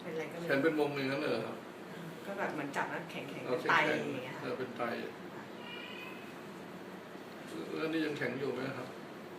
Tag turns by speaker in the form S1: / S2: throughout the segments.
S1: เป็นอะไรก็เลย
S2: แขนเป็นวงอย่างนั้นเลยเหรอครับ
S1: ก็แบบเหมือนจับแล้วแข็งเป็นไตอย่างเงี้ยค่ะ
S2: เป็นไตแล้วนี่ยังแข็งอยู่ไหมครับ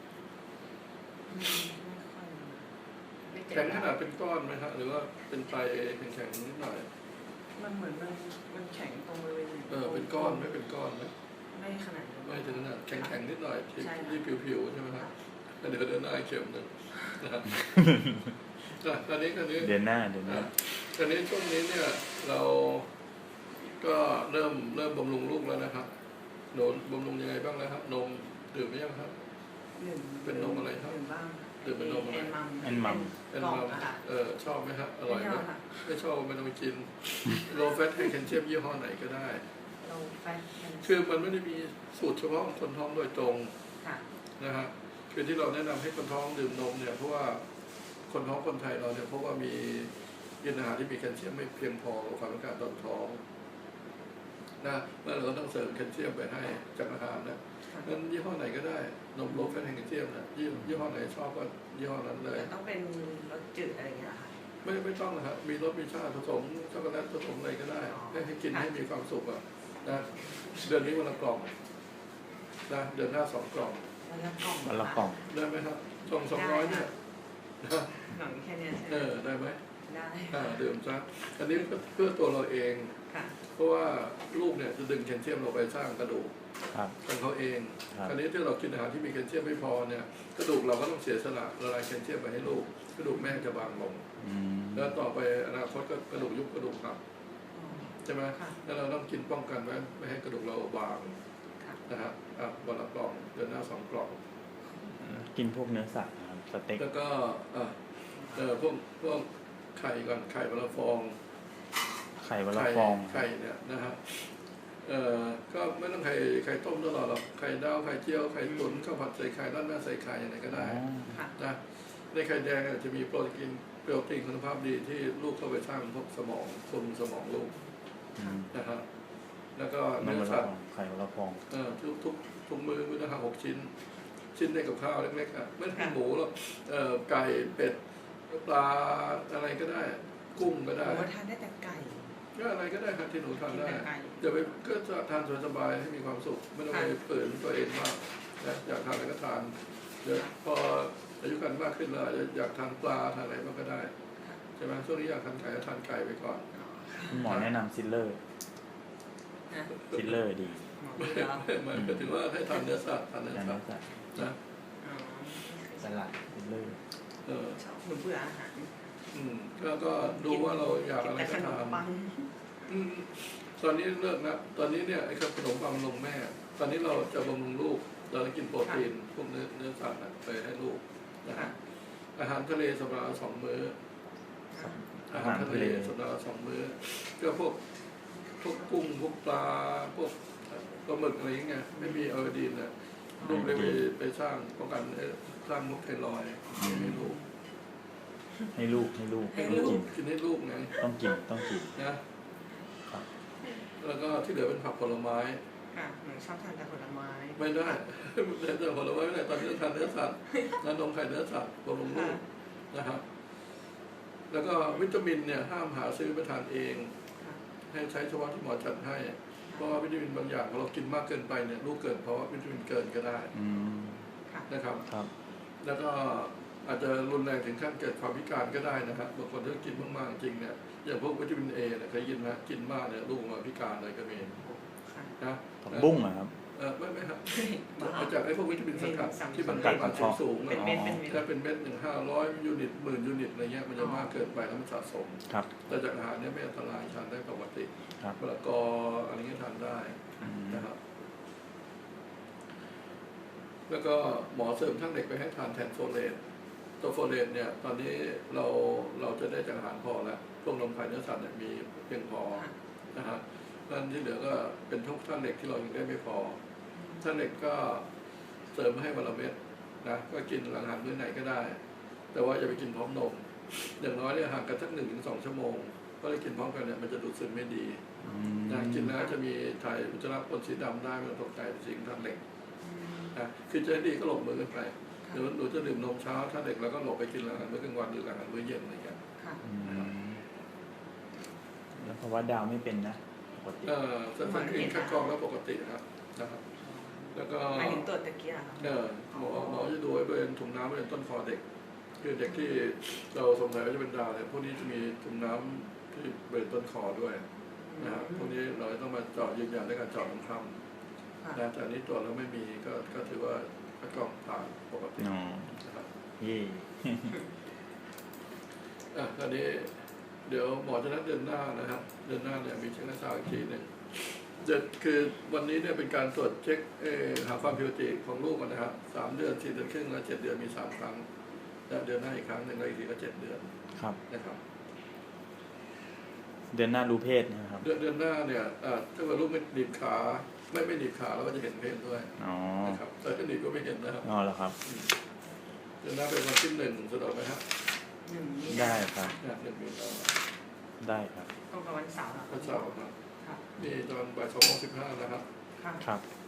S2: แข็งขนาดเป็นก้อนไหมครับหรือว่าเป็นไตแข็งนิดหน่อย
S1: มันเหมือนมันแข็งตรงบริเวณ
S2: เป็นก้อนไม่เป็นก้อนไหม
S1: ไม่ขนาดนั้น
S2: ไม่ถึงขนาดแข็งนิดหน่อยที่ผิวใช่ไหมครับเดี๋ยวเดินหน้าเข็มหนึ่งนะครับตอนนี้
S3: เดือนหน้า
S2: ตอนนี้ช่วงนี้เนี่ยเราก็เริ่มบำรุงลูกแล้วนะครับโดนบำรุงยังไงบ้างแล้วครับนมดื่มไหมยังครับเป็นนมอะไรครับดื่มเป็นนมอะไร
S3: แอนมัม
S2: ชอบไหมครับอร่อยไหมไม่ชอบไม่ต้องไปกินโลแฟตไฮแคลเซียมยี่ห้อไหนก็ได้คือมันไม่ได้มีสูตรเฉพาะคนท้องโดยตรงนะฮะคือที่เราแนะนำให้คนท้องดื่มนมเนี่ยเพราะว่าคนท้องคนไทยเราเนี่ยเพราะว่ามีกินอาหารที่มีแคลเซียมไม่เพียงพอกับความต้องการตอนท้องนะแล้วเราก็ต้องเสริมแคลเซียมไปให้จากอาหารนะงั้นยี่ห้อไหนก็ได้นมโลแฟตแคลเซียมนะยี่ห้อไหนชอบก็ยี่ห้อนั้นเลย
S1: ต้องเป็นรสจืดอะไรอย่างเงี้ยค่ะ
S2: ไม่ต้องนะครับมีรสมีชาติผสมช็อกโกแลตผสมอะไรก็ได้ให้กินให้มีความสุขอ่ะนะเดือนนี้วันละกล่องนะเดือนหน้า2 กล่อง
S3: วันละกล่อง
S2: ได้ไหมครับ200เนี่ย
S1: หนังแค่นี้
S2: ได้ไหม
S1: ได้
S2: ดื่มซะอันนี้เพื่อตัวเราเองเพราะว่าลูกเนี่ยจะดึงแคลเซียมเราไปสร้างกระดูกของเขาเองอันนี้ที่เรากินอาหารที่มีแคลเซียมไม่พอเนี่ยกระดูกเราก็ต้องเสียสละละลายแคลเซียมไปให้ลูกกระดูกแม่จะบางลงแล้วต่อไปอนาคตก็กระดูกยุบกระดูกหักใช่ไหมแล้วเราต้องกินป้องกันไว้ไม่ให้กระดูกเราบางนะครับวันละกล่องเดือนหน้า2 กล่อง
S3: กินพวกเนื้อสัตว์นะครับสเต็ก
S2: แล้วก็พวกไข่ก่อนไข่วันละฟอง
S3: ไข่วันละฟอง
S2: ไข่เนี่ยนะครับก็ไม่ต้องไข่ต้มตลอดหรอกไข่ดาวไข่เจียวไข่ตุ๋นข้าวผัดใส่ไข่ด้านหน้าใส่ไข่อะไรก็ได้นะในไข่แดงจะมีโปรตีนคุณภาพดีที่ลูกเข้าไปสร้างพวกสมองคุมสมองลูกนะครับแล้วก็เนื้อสัตว์
S3: ไข่วันละฟอง
S2: ทุกมื้อนะครับ6 ชิ้นได้กับข้าวเล็กๆไม่ต้องหมูหรอกไก่เป็ดปลาอะไรก็ได้กุ้งก็ได้
S1: ทานได้แต่ไก่
S2: ก็อะไรก็ได้ครับที่หนูทานได้อย่าไปก็จะทานสบายๆให้มีความสุขไม่ต้องไปเปิดตัวเองมากนะอยากทานอะไรก็ทานเดี๋ยวพออายุกันมากขึ้นแล้วอยากทานปลาทานอะไรก็ได้ใช่ไหมช่วงนี้อยากทานไก่ก็ทานไก่ไปก่อน
S3: หมอแนะนำซิลเลอร์ดี
S2: หมายถึงว่าให้ทานเนื้อสัตว์นะ
S3: สลัดซิลเลอร์
S1: เบื่ออาหาร
S2: ก็ดูว่าเราอยากอะไรก็ทานตอนนี้เลิกนะตอนนี้เนี่ยไอ้ขนมปังนมแม่ตอนนี้เราจะบำรุงลูกเราจะกินโปรตีนพวกเนื้อสัตว์ไปให้ลูกนะฮะอาหารทะเลสัปดาห์ละ2 มื้ออาหารทะเลสัปดาห์ละ2 มื้อก็พวกกุ้งพวกปลาพวกปลาหมึกอะไรอย่างเงี้ยไม่มีไอโอดีนนะลูกเลยไปสร้างป้องกันสร้างมุกไทรอยด์ให้ลูก
S3: กินให้
S2: ลูกไง
S3: ต้องกิน
S2: นะแล้วก็ที่เหลือเป็นผักผลไม้
S1: หนูชอบทานแต่ผลไม้
S2: ไม่ได้แต่ผลไม้ไม่ได้ตอนนี้ต้องทานเนื้อสัตว์นมไข่เนื้อสัตว์บำรุงลูกนะครับแล้วก็วิตามินเนี่ยห้ามหาซื้อไปทานเองให้ใช้เฉพาะที่หมอจัดให้เพราะว่าวิตามินบางอย่างเรากินมากเกินไปเนี่ยลูกเกิดเพราะว่าวิตามินเกินก็ได้นะครับแล้วก็อาจจะรุนแรงถึงขั้นเกิดความพิการก็ได้นะครับบางคนที่กินมากๆจริงเนี่ยอย่างพวกวิตามินเอเนี่ยเคยยินไหมกินมากเนี่ยลูกมาพิการเลยก็มีนะ
S3: บุ้งครับ
S2: ไม่ครับมาจากไอ้พวกวิตามินสังกัดที่มัน
S3: กัด
S2: สูงถ้าเป็นเม็ด1,500 ยูนิต10,000 ยูนิตอะไรเงี้ยมันจะมากเกินไปแล้วมันสะสมแต่จากอาหารเนี่ยไม่อันตรายทานได้ปกติมะละกออะไรเงี้ยทานได้นะครับแล้วก็หมอเสริมทั้งเด็กไปให้ทานแทนโฟเลตตัวโฟเลตเนี่ยตอนนี้เราจะได้จากอาหารพอแล้วพวกนมไข่เนื้อสัตว์เนี่ยมีเพียงพอนะฮะนั่นที่เหลือก็เป็นทุกท่านเหล็กที่เรายังได้ไม่พอท่านเหล็กก็เสริมให้วันละเม็ดนะก็กินหลังอาหารมื้อไหนก็ได้แต่ว่าอย่าไปกินพร้อมนมอย่างน้อยเนี่ยห่างกันสัก1 ถึง 2 ชั่วโมงก็ได้กินพร้อมกันเนี่ยมันจะดูดซึมไม่ดีนะกินแล้วจะมีถ่ายอุจจาระปนสีดำได้ไม่ต้องตกใจสิ่งท่านเหล็กนะคือจะดีก็หลบมือกันไปหนูจะดื่มนมเช้าท่านเหล็กแล้วก็หลบไปกินหลังอาหารมื้อกลางวันหรือหลังอาหารมื้อเย็นอะไรอย่างเงี้ย
S3: แล้วเพราะว่าดาวไม่เป็นนะปกติ
S2: เส้นสครีนคัดกรองแล้วปกติครับนะครับ แล้วก็
S1: หมายถึงตรวจตะเกียบ
S2: หมอจะดูบริเวณถุงน้ำบริเวณต้นคอเด็ก คือเด็กที่เราสงสัยว่าจะเป็นดาวเนี่ยพวกนี้จะมีถุงน้ำที่บริเวณต้นคอด้วยนะครับพวกนี้เราต้องมาเจาะยืนยันด้วยการเจาะน้ำคร่ำนะแต่อันนี้ตรวจแล้วไม่มีก็ถือว่าคัดกรองผ่านปกติ
S3: อ๋อ
S2: นะครับ
S3: เย่
S2: ตอนนี้เดี๋ยวหมอจะนัดเดือนหน้านะครับเดือนหน้าเนี่ยมีเช็คหน้าตาอีกทีหนึ่งคือวันนี้เนี่ยเป็นการตรวจเช็คหาความผิดปกติของลูกกันนะครับ3 เดือน 4 เดือนครึ่งและ7 เดือนมี3 ครั้งและเดือนหน้าอีกครั้งหนึ่งแล้วอีกทีก็7 เดือน
S3: ครับ
S2: นะครับ
S3: เดือนหน้ารู้เพศนะครับ
S2: เดือนหน้าเนี่ยถ้าเกิดลูกไม่หนีบขาไม่หนีบขาเราก็จะเห็นเพศด้วย
S3: อ๋อ
S2: นะครับแต่ถ้าหนีบก็ไม่เห็นนะครับ
S3: อ๋อเหรอครับ
S2: เดือนหน้าเป็นวันที่1สะดวกไหมครับ
S3: ได้ครับ
S2: 1 มีนา
S3: ได้ครับ
S1: ตรงกับวันเสาร์เหรอ
S2: วันเสาร์ครับ
S1: ครับ
S2: มีตอนบ่าย2:15นะครับ
S1: ครับ
S3: ครับ